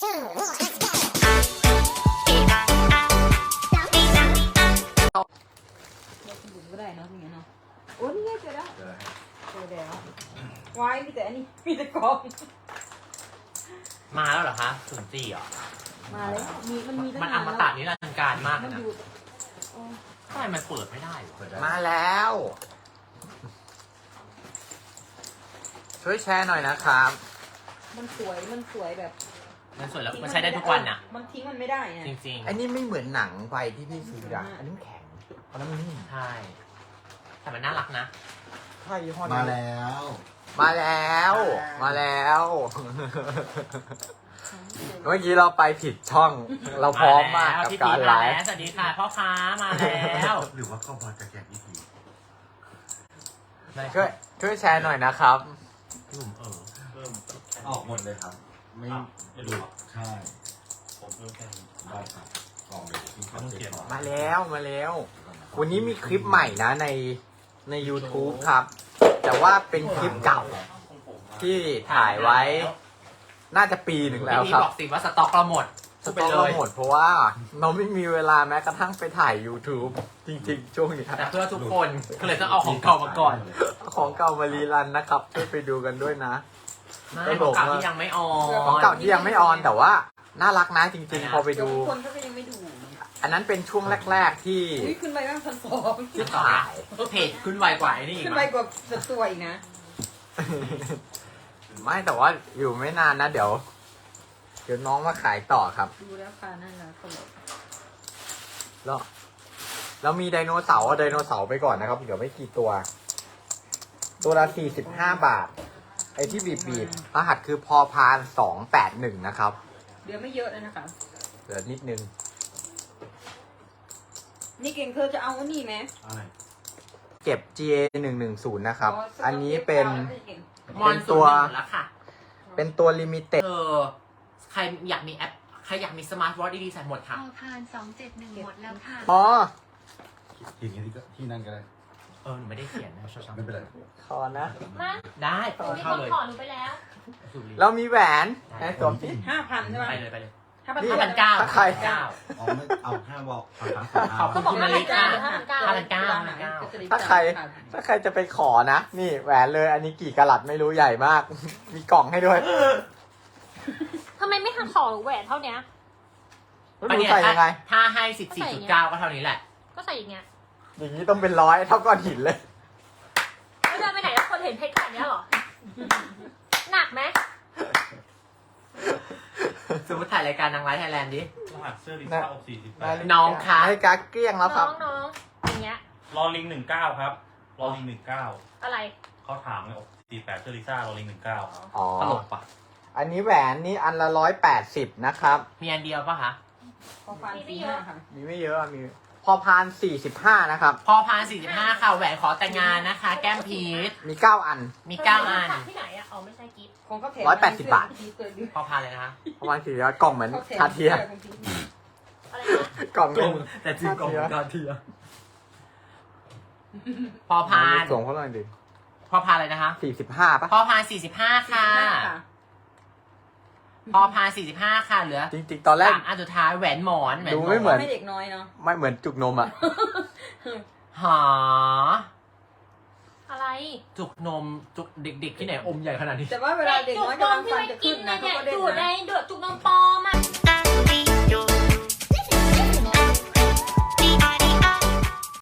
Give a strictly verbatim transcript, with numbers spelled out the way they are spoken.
บุ๋มก็ได้เนาะอย่างเงี้ยเนาะโอ้นี่ไงเจอแล้วเจอแล้ววายมีแต่อันนี้มีแต่กองมาแล้วเหรอคะศูนย์สี่เหรอมาเลยมีมันมีตั้งมันนาอน มแล้วตะนิรันดร์การมากมันนะอยู่โอ้ทำไมมันเปิดไม่ได้วะมาแล้ว ช่วยแชร์หน่อยนะครับมันสวยมันสวยแบบมันสวยแล้วมันใช้ได้ทุกวันน่ะมันทิ้งมันไม่ได้ไงจริงอันนี้ไม่เหมือนหนังไปที่พี่ซื้ออะอันนี้มันแข็งเพราะนั้นมันนิ่มๆ ใช่ แต่มันน่ารักนะใช่ยี่ห้อมานี้แล้วมาแล้ว มาแล้ว เมื่อกี้เราไปผิดช่อง เราพร้อมมากกับพี่การพีไลมาฟ์แล้วสวัสดีค่ะพ่อค้ามาแล้วหรือว่าก็พอจะแกะวิธีช่วยช่วยแชร์หน่อยนะครับพี่บุ๋มเออเพิ่มออกหมดเลยครับ ไม่ไม่ดูใช่ผมเพิ่มแค่นี้ได้ครับกล่องเลยที่เขาเก็บมาแล้วมาแล้ว วันนี้มีคลิปใหม่นะในใน YouTube ครับ แต่ว่าเป็นคลิปเก่าที่ถ่ายไว้ น่าจะปีหนึ่งแล้วพี่ครับบอกสิว่าสต็อกเราหมดสต็อกเราหมดเพราะว่าเราไม่มีเวลาแม้กระทั่งไปถ่าย YouTube จริงๆ ช่วงนี้แต่เพื่อทุกคนก็เลยต้องเอาของเก่ามาก่อนของเก่ามารีรันนะครับช่วยไปดูกันด้วยนะไม่ของเก่าที่ยังไม่ออของนเก่าที่ยังไม่ออนแต่ว่าน่ารักนะจริงๆ พอไปเดี๋ยวดูคนเขาก็ยังไม่ดูอันนั้นเป็นช่วงแรกๆที่อุ้ยขึ้นไปบ้างพันสองที่ถ่ายเพจขึ้นไวกว่าไอ้นี่อีกขึ้นมั้ไปยกว่าสัดตัวอีกนะไม่แต่ว่าอยู่ไม่นานนะเดี๋ยว เดี๋ยวน้องมาขายต่อครับดูแล้วค่ะน่ารักตลกแล้วแล้วมีไดโนเสาร์เอาไดโนเสาร์ไปก่อนนะครับเดี๋ยวไม่กี่ตัว ตัวละสี่สิบห้าบาท ไอ้ที่บีบบีบรหัสคือพอพานสองแปดหนึ่งนะครับเดี๋ยวไม่เยอะเลยนะคะเหลือนิดนึงนี่เก่งเธอจะเอาอันนี้ไหมอะไรเก็บ จี เอ หนึ่งหนึ่งศูนย์นะครับอ๋อสต็กอันนี้เป็นเก่งมอนศูนย์หนึ่งหมดแล้วค่ะเป็นตัวลิมิเต็ดเออใครอยากมีแอป ใครอยากมีสมาร์ทวอทช์ดีๆใส่หมดค่ะพอพานสองเจ็ดหนึ่งหมดแล้วค่ะอ๋อทีนี้ที่ก็ที่นั่นก็ได้เออหนูไม่ได้เขียนนะชอบไม่เป็นไรขอนะมาได้หนูมีเข้าคนเลยขอหนูไปแล้วเรามีแหวนให้สวมสิห้าพันใช่ไหมไปเลยไปเลยห้าพันนี่ห้าพันเก้าถ้าใครเก้าอ๋อไม่เอาห้าบอกเอาทั้งสองขอบคุณบอกห้าพันเก้าห้าพันเก้าห้าพันเก้าห้าพันเก้าถ้าใคร ถ้าใครจะไปขอนะ นี่แหวนเลย อันนี้กี่กะลัดไม่รู้ใหญ่มาก มีกล่องให้ด้วยทำไมไม่ทำขอแหวนเท่าเนี้ยแล้วอันดูเนี้ยใส่ยังไงถ้าให้สิบสี่จุดเก้าก็เท่านี้แหละก็ใส่อย่างเงี้ยอย่างนี้ต้องเป็นร้อยเท่าก้อนหินเลยแล้วเดินไปไหนแล้วคนเห็นเพชรขนาดเนี้ยเหรอ หนักไหมสมมติถ่ายรายการนางร้ายไทยแลนด์ดิรหัสเสื้อลิซ่าอกสี่สิบแปดน้องคะให้กาเกลี้ยงแล้วคน้รัอบ งน้องอย่างเงี้ยรอลิงหนึ่งเก้าครับ รอลิงหนึ่งเก้าอะไรเขาถามไงอกสี่แปดเสื้อลิซ่ารอลิงหนึ่งเก้าอ๋อตลกปะอันนี้แหวนนี่อันละร้อยแปดสิบนะครับมีอันเดียวปะคะพอพันสี่ห้าค่ะมีไม่เยอะอะมี พอพานสี่สิบห้านะครับพอพานสี่สิบห้าค่ะแหวนขอแต่งงานนะคะ แก้มพีชมีเก้าอันมีเก้าอันที่ไหนอะอ๋อไม่ใช่กิฟต์ของเขาแถมร้อยแปดสิบบาทพอพานเลยนะคะประมาณสี่ร้อยกล่องเหมือนคาเทียอะไรนะกล่องเป็นแต่จริงกล่องกาเทียพอพานส่งเขาหน่อยดิพอพานเลยนะคะสี่สิบห้าป่ะพอพานสี่สิบห้าค่ะ พอพานสี่สิบห้าค่ะเหลือจริงๆ ตอนแรกสามอันสุดท้ายแหวนหมอนแหวนดูหมไม่อนเหมือนไม่เด็กน้อยเนาะไม่เหมือนจุกนมอ่ะหาอะไรจุกนมจุกเด็กๆที่ไหนอมใหญ่ขนาดนี้แต่ว่าเวลาเด็กน้อยกำลังฟันจะขึ้นนะเขาเนี่ยก็เล่นดูดในนะดูดจุกนม